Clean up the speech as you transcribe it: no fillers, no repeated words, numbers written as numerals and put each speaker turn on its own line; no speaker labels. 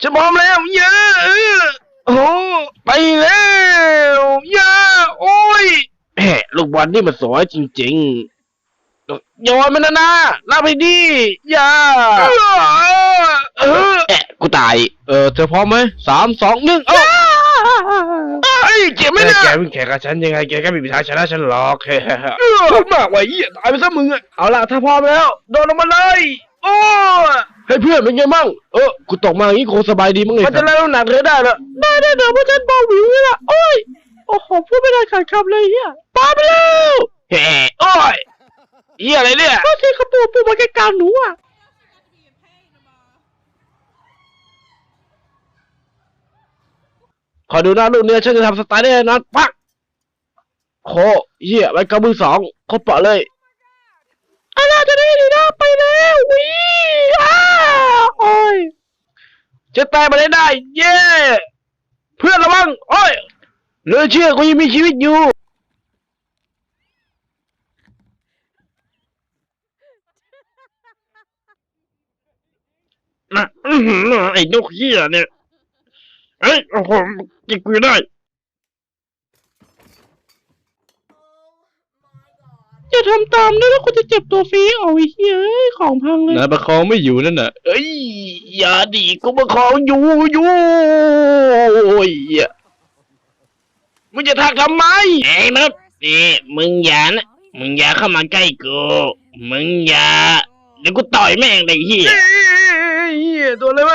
ฉันพร้อมแล้วเยอะโอ้ไปแล้วเยอะโอ้ยแหมลูกบอลนี่มันสวยจริงๆโยนมันนะรับไปดิอย่ากูตายเธอพร้อมไหม3 2 1ไอ้เจ็บไหมเนี่ยแกวิ่งแข่งกับฉันยังไงแกก็ไม่มีทางชนะฉันหรอกพูดมากไว้เหี้ยตายไปซะมึงอะเอาล่ะถ้าพร้อมแล้วโดนลงมาเลยโอ้ให้เพื่อนเป็นไงมั่งกูตกมาอย่างนี้คงสบายดีมั้งเลยมันจะเล่นน้ำหนักเธอได้เหรอได้เดี๋ยวเพราะฉันเบาหวิวเลยล่ะโอ้ยโอ้โหพูดไม่ได้ขาดคำเลยเฮียปาไปแล้วเฮ้โอ้ยเฮียอะไรเนี่ยก็ที่เขาปูมาใกล้กลางหนูอ่ะขอดูหน้าลูกเนื้อฉันจะทำสไตล์ได้แน่นอนปักโคเฮียไปกับมือ2เขาเปาะเลยอะไรจะได้ดีนะไปแล้ววิโอ้ยจะตายมาได้เย้เพื่อนระวังโอ้ยเหลือเชื่อกูยังมีชีวิตอยู่นะไอ้นกเหี้ยเนี่ยเอ้ยโอ้โหกินกูได้อย่าทำตามนะแล้วคุณจะเจ็บตัวฟรีเอาไอ้เฮ้ยของพังเลยนายประคองไม่อยู่นั่นน่ะเอ้ยอย่าดิกูประคองอยู่โอ้ยมึงจะทักทำไมไอ้มนุษย์นี่มึงอย่าเข้ามาใกล้กูมึงอย่าเดี๋ยวกูต่อยแม่งเลยเหี้ยตัวอะไรวะ